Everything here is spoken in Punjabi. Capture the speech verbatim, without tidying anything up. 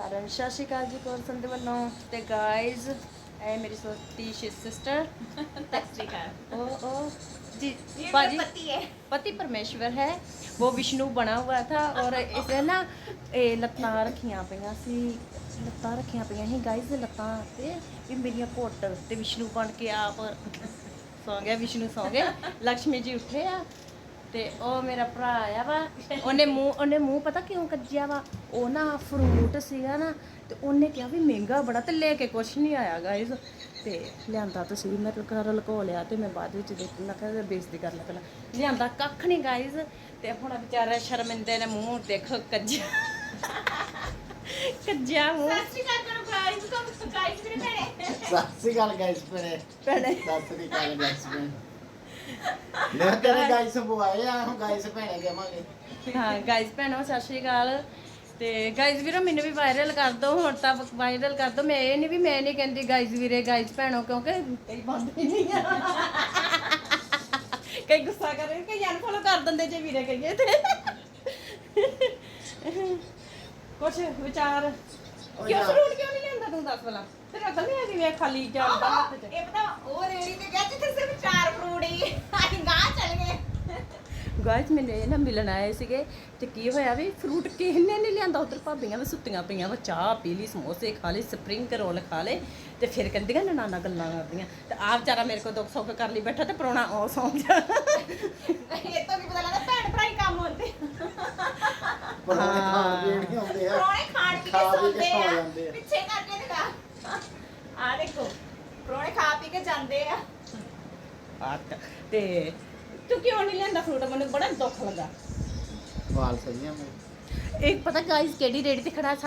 ਸਾਰਿਆਂ ਨੂੰ ਸਤਿ ਸ਼੍ਰੀ ਅਕਾਲ ਜੀ ਕੋਰ ਸੰਦੇ ਵੱਲੋਂ ਤੇ ਗਾਇਜ਼ ਇਹ ਮੇਰੀ ਛੋਟੀ सिस्टर ओ ओ जी बाजी पति है पति परमेश्वर है वो विष्णु बना हुआ था और इसे ना ਲੱਤਾਂ ਰੱਖੀਆਂ ਪਈਆਂ ਸੀ ਲੱਤਾਂ ਰੱਖੀਆਂ ਪਈਆਂ ਸੀ ਗਾਇਜ਼ ਲੱਤਾਂ ਤੇ ਵੀ ਮੇਰੀਆਂ ਘੁੱਟ ਤੇ ਵਿਸ਼ਨੂੰ ਬਣ ਕੇ ਆਪ ਸੌ ਗਿਆ ਵਿਸ਼ਨੂੰ ਸੌ ਗਏ ਲక్ష్ਮੀ ਜੀ ਉੱਠੇ ਆ ਤੇ ਉਹ ਮੇਰਾ ਭਰਾ ਆਇਆ ਵਾ ਉਹਨੇ ਮੂੰਹ ਉਹਨੇ ਮੂੰਹ ਪਤਾ ਕਿਉਂ ਕੱਜਿਆ ਵਾ ਉਹ ਨਾ ਫਰੂਟ ਸੀਗਾ ਨਾ ਤੇ ਉਹਨੇ ਕਿਹਾ ਵੀ ਮਹਿੰਗਾ ਬੜਾ ਤੇ ਲੈ ਕੇ ਕੁਛ ਨਹੀਂ ਆਇਆ ਗਾਇਜ਼ ਤੇ ਲਿਆਂਦਾ ਤਾਂ ਸੀ ਮੈਂ ਘਰ ਲਕੋ ਲਿਆ ਤੇ ਮੈਂ ਬਾਅਦ ਵਿੱਚ ਦੇਖ ਮੈਂ ਕਿਹਾ ਬੇਇੱਜ਼ਤੀ ਕਰ ਲਿਆ ਪਹਿਲਾਂ ਲਿਆਂਦਾ ਕੱਖ ਨਹੀਂ ਗਾਇਜ਼ ਤੇ ਹੁਣ ਵਿਚਾਰਾ ਸ਼ਰਮਿੰਦੇ ਨੇ ਮੂੰਹ ਦੇਖੋ ਕੱਜਿਆ ਕੱਜਿਆ ਮੂੰਹ सत श्री अकाल करो गाइस को गाइस मेरे भैणे ਸਤਿ ਸ੍ਰੀ ਅਕਾਲ ਗਾਇਸ ਭੈਣੇ ਭੈਣੇ ਸਤਿ ਸ੍ਰੀ ਅਕਾਲ ਗਾਇਸ ਭੈਣੇ ਲੈ ਤੇਰੇ ਗਾਇਸ ਬੁਆਏ ਆ ਹੁਣ ਗਾਇਸ ਭੈਣੇ ਕਹਾਂਗੇ ਹਾਂ ਗਾਇਜ਼ ਭੈਣੋ ਸਤਿ ਸ਼੍ਰੀ ਅਕਾਲ ਤੇ ਗਾਇਜ਼ ਵੀਰੋ ਮੈਨੂੰ ਵੀ ਵਾਇਰਲ ਕਰ ਦਿਓ ਹੁਣ ਤਾਂ ਵਾਇਰਲ ਕਰ ਦਿਓ ਮੈਂ ਇਹ ਨਹੀਂ ਵੀ ਮੈਂ ਨਹੀਂ ਕਹਿੰਦੀ ਗਾਇਜ਼ ਵੀਰੇ ਗਾਇਜ਼ ਭੈਣੋ ਕਿਉਂਕਿ ਕਈ ਬੰਦੇ ਨਹੀਂ ਆ ਕਈ ਗੁੱਸਾ ਕਰ ਰਹੇ ਕਈ ਅਨਫੋਲੋ ਕਰ ਦਿੰਦੇ ਜੇ ਵੀਰੇ ਕਹੀਏ ਤੇ ਕੁਛ ਵਿਚਾਰ ਕਿਉਂ ਫਰੂਟ ਕਿਉਂ ਨਹੀਂ ਲੈਂਦਾ ਤੂੰ ਦੱਸ ਭਲਾ ਤੇਰਾ ਅਕਲ ਨਹੀਂ ਹੈਗੀ ਵੇ ਖਾਲੀ ਜਾਂਦਾ ਹੱਥ 'ਚ ये पता वो रेडी पे गया जिथे सिर्फ चार फ्रूट ही ਅਸੀਂ ਗਾਂ ਚਲ ਗਏ ਗਾਇਜ਼ ਮੈਨੂੰ ਇਹ ਨਾ ਮਿਲਣ ਆਏ ਸੀਗੇ ਤੇ ਕੀ ਹੋਇਆ ਵੀ ਫਰੂਟ ਕਿਸੇ ਨੇ ਨਹੀਂ ਲਿਆਂਦਾ ਉਧਰ ਭਾਬੀਆਂ ਵੀ ਸੁੱਤੀਆਂ ਪਈਆਂ ਵਾ ਚਾਹ ਪੀ ਲਈ ਸਮੋਸੇ ਖਾ ਲਏ ਸਪਰਿੰਗ ਰੋਲ ਖਾ ਲਏ ਤੇ ਫਿਰ ਕਹਿੰਦੀਆਂ ਨਨਾਨਾ ਗੱਲਾਂ ਕਰਦੀਆਂ ਤੇ ਆ ਵਿਚਾਰਾ ਮੇਰੇ ਕੋਲ ਦੁੱਖ ਸੁੱਖ ਕਰ ਲਈ ਬੈਠਾ ਤੇ ਪਰੋਣਾ ਉਹ ਸੌਂ ਗਿਆ ਇਹ ਤਾਂ ਕੀ ਪਤਾ ਲੱਗਦਾ ਭੈਣ ਭਰਾ ਹੀ ਕੰਮ ਹੁੰਦੇ ਪਰੋਣੇ ਖਾਣ ਪੀਣ ਨਹੀਂ ਆਉਂਦੇ ਆ ਪ੍ਰੋਣੇ ਖਾਣ ਪੀ ਕੇ ਖਾ ਪੀ ਕੇ ਸੌਂਦੇ ਸੌ ਆ ਜਾਂਦੇ ਆ। ਪਿੱਛੇ ਕਰਕੇ ਦਿਖਾ ਆ ਦੇਖੋ ਪ੍ਰੋਣੇ ਖਾ ਪੀ ਕੇ ਜਾਂਦੇ ਆ ਆਟ ਤੇ ਤੂੰ ਕਿਉਂ ਨਹੀਂ ਲੈਂਦਾ ਫਰੂਟ ਮੈਨੂੰ ਬੜਾ ਦੁੱਖ ਲੱਗਾ ਵਾਲ ਸਹੀਆਂ ਮੇਰੇ ਇੱਕ ਪਤਾ ਗਾਇਜ਼ ਕਿਹੜੀ ਰੇੜੀ ਤੇ ਖੜਾ